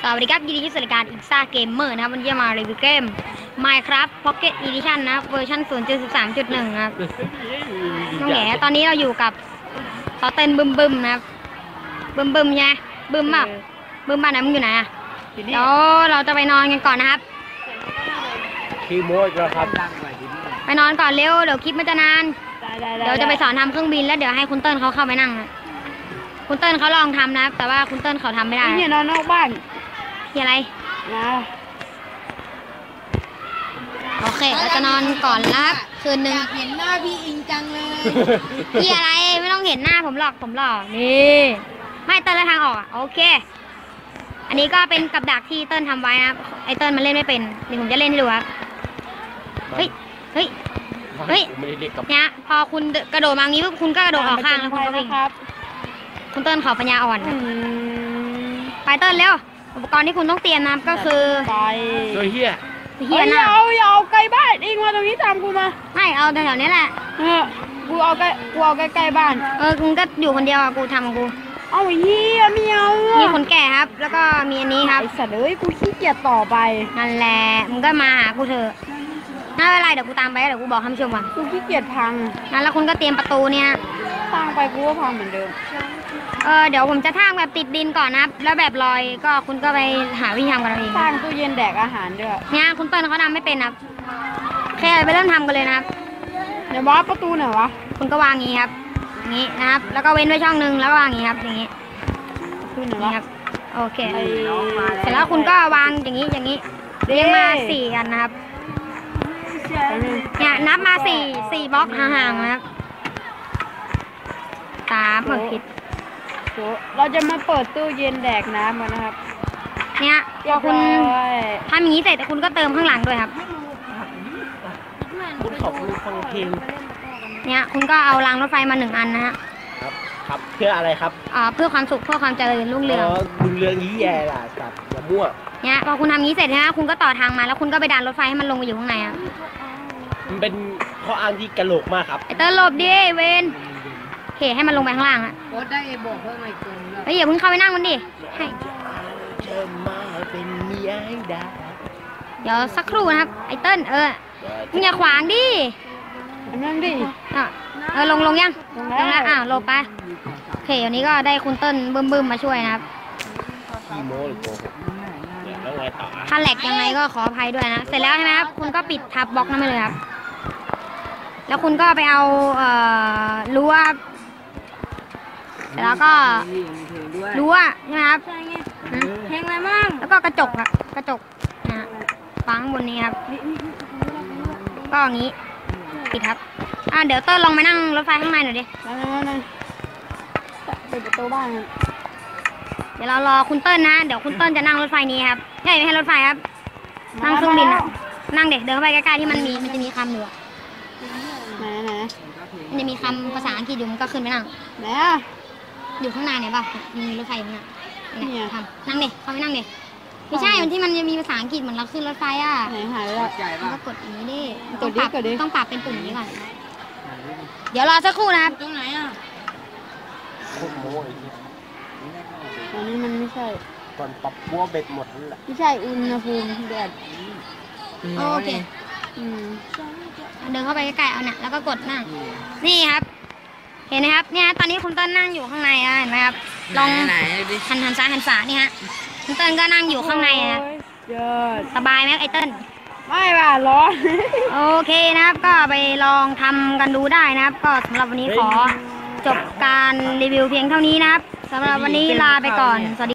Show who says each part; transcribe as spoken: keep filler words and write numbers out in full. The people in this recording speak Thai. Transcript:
Speaker 1: วัสดีครับยินดีที่สุดรายการอีกซ่าเกมเมอร์นะครับวันนี้จะมารีวิวเกม Minecraft Pocket Edition นะเวอร์ชัน ศูนย์จุดสิบสามจุดหนึ่ง นะครับน้องแหนตอนนี้เราอยู่กับต่อเต้นบึมบึมนะครับบึมบึมไงบึมเปล่าบึมบ้านไหนมึงอยู่ไหนอ่ะเดี๋ยวเราจะไปนอนกันก่อนนะครับ
Speaker 2: คีโมอีกแล้วครับ
Speaker 1: ไปนอนก่อนเร็วเดี๋ยวคลิปมันจะนานเดี๋ยวจะไปสอนทำเครื่องบินแล้วเดี๋ยวให้คุณเติ้ลเขาเข้าไปนั่งนะคุณเติ้ลเขาลองทำนะแต่ว่าคุณเติ้ลเขาทำไม่ได้
Speaker 3: เนี่ยนอนนอกบ้าน
Speaker 1: ที่อะไร
Speaker 3: นะ
Speaker 1: โอเคเราจะนอนก่อนแล้วครับคืนนึง
Speaker 3: เห็นหน้าพี่อิงจังเลย
Speaker 1: พี่อะไรไม่ต้องเห็นหน้าผมหรอกผมหล่อนี่ไม่เติ้ลแล้วทางออกอ่ะโอเคอันนี้ก็เป็นกับดักที่เติ้ลทำไว้นะไอเติ้ลมันเล่นไม่เป็นเดี๋ยวผมจะเล่นให้ดูครับเฮ้ยเฮ้ยเฮ้ยเนี่ยพอคุณกระโดดมางี้ปุ๊บคุณก็กระโดดออกข้างแล้วคุณก็วิ่งคุณเติ้ลเขาปัญญาอ่อนไปเติ้ลเร็วอุปกรณ์ที่คุณต้องเตรียมนะก็คือ
Speaker 3: ไป
Speaker 2: โดยเฮีย
Speaker 3: เฮียนะเอาอย่าเอาใกล้บ้านอิงมาตรงนี้ตามกูมา
Speaker 1: ไม่เอาแถวๆนี้แหละ
Speaker 3: เออกูเอาใกล้กูเอาใกล้ๆบ้าน
Speaker 1: เออคุณก็อยู่คนเดียวอ่ะกูทำกู
Speaker 3: เอาเฮียไม่เอา
Speaker 1: มีคนแก่ครับแล้วก็มีอันนี้ครับ
Speaker 3: ไอสัตว์เอ้ยกูขี้เกียจต่อไป
Speaker 1: นั่นแหละมึงก็มาหากูเถอะน่าเป็นไรเดี๋ยวกูตามไปเดี๋ยวกูบอกคำชมก่อน
Speaker 3: กูขี้เกียจพัง
Speaker 1: นั่นแล้วคุณก็เตรียมประตูเนี่ย
Speaker 3: สร้างไปกูก็พังเหมือนเดิม
Speaker 1: เออเดี๋ยวผมจะทำแบบติดดินก่อนนะแล้วแบบลอยก็คุณก็ไปหาวิธีทำกันเอง
Speaker 3: สร้างตู้เย็นแดกอาหารด้วย
Speaker 1: เนี่ยคุณเปิ้ลเขาทำไม่เป็นครับแค่ไปเริ่มทำกันเลยนะครับ
Speaker 3: เดี๋ยวว่าประตูไหนวะ
Speaker 1: คุณก็วางงี้ครับอย่างนี้นะครับแล้วก็เว้นไว้ช่องนึงแล้วก็วางอย่างนี้ครับอย่างนี้นี่ครับโอเคเสร็จแล้วคุณก็วางอย่างนี้อย่างนี้เรียงมาสี่อันนะครับเนี่ยนับมาสี่สี่บล็อกห่างๆนะครับสามเหมือนผิด
Speaker 3: เราจะมาเปิดตู้เย็นแดกน้ำกันนะครับ
Speaker 1: เนี่ยพอคุณทำอย่างนี้เสร็จแต่คุณก็เติมข้างหลังด้วยครับ
Speaker 2: คุณขอบคุณฟังเพลง
Speaker 1: เนี่ยคุณก็เอารางรถไฟมาหนึ่งอันนะฮะ
Speaker 2: ครับครับเพื่ออะไรครับ
Speaker 1: อ่าเพื่อความสุขเพื่อความเจริญรุ่งเรือง
Speaker 2: รุ่งเรืองยี่แย่ล่ะครับอย่ามั่ว
Speaker 1: เนี่ยพอคุณทำอย่างนี้เสร็จนะคุณก็ต่อทางมาแล้วคุณก็ไปดันรถไฟให้มันลงไปอยู่ข้างในอ่ะ
Speaker 2: มันเป็นข้ออ้างที่กระโหลกมากครับ
Speaker 1: ไอเตอร์หลบดิเวนเหให้มันลงไปข้างล่างอ่ะ
Speaker 3: รถได้บอกเพิ่มอีกคน
Speaker 1: เฮ้ยอย่าเพิ่งเข้าไปนั่งมันดิให้เดี๋ยวสักครู่นะครับไอเติ้ลเออมึงอย่าขวางดิ
Speaker 3: นั่งดิ
Speaker 1: เออลงลงยังลงแล้วอ้าวหลบไปโอเควันนี้ก็ได้คุณเติ้ลบึ้มบึ้มมาช่วยนะครับถ้าแหลกยังไงก็ขออภัยด้วยนะเสร็จแล้วใช่ไหมครับคุณก็ปิดทับบล็อกนั่นไปเลยครับแล้วคุณก็ไปเอาเอ่อรั้วแล้วก็รั้วใช่ไหมครับ
Speaker 3: เพลงอะไรบ้าง
Speaker 1: แล้วก็กระจกครับกระจกนะฟังบนนี้ครับก็อย่างนี้ปิดครับอ่าเดี๋ยวเติ้ลลองไปนั่งรถไฟข้างในหน่อยดิ
Speaker 3: นั่งเปิดประตูบ้าน
Speaker 1: เดี๋ยวเรารอคุณเติ้ลนะเดี๋ยวคุณเติ้ลจะนั่งรถไฟนี้ครับใช่ไม่ใช่รถไฟครับนั่งเครื่องบินนั่งเด็กเดินเข้าไปใกล้ๆที่มันมีมันจะมีคำอยู่
Speaker 3: ไหนไหน
Speaker 1: มันจะมีคำภาษาอังกฤษอยู่มันก็ขึ้นไปนั่ง
Speaker 3: ไหนอ่ะ
Speaker 1: อยู่ข้างในเนี่ยป่ะมีรถไฟอยู่ข้างในเนี่ยทำนั่งเด็กเข้าไปนั่งเด็กไม่ใช่มันที่มันจะมีภาษาอังกฤษเหมือนเราขึ้นรถไฟอ่ะ
Speaker 3: ไหนหายแล้ว
Speaker 1: ก็กดอย่างนี้ดิต้องปรับต้องปรับเป็นปุ่มนี้ก่อนเดี๋ยวรอสักครู่นะครับ
Speaker 3: ตรงไหนอ่ะอันนี้มันไม่ใช่
Speaker 2: ก่อนปรับบัวเบ็ดหมดนั่นแหละ
Speaker 3: ไม่ใช่อุณหภูมิแดด
Speaker 1: โอเคเดินเข้าไปใกล้ๆเอาเนี่ยแล้วก็กดนั่งนี่ครับเห็นไหมครับเนี่ยตอนนี้คุณเติ้ลนั่งอยู่ข้างในอ่ะเห็นไหมครับลองหันหันซ้ายหันขวานี่ฮะคุณเติ้ลก็นั่งอยู่ข้างในนะสบายไหมไอเติ้ล
Speaker 3: ไม่ป่ะร้อน
Speaker 1: โอเคนะครับก็ไปลองทำกันดูได้นะครับก็สำหรับวันนี้ขอจบการรีวิวเพียงเท่านี้นะครับสำหรับวันนี้ลาไปก่อนสวัสดี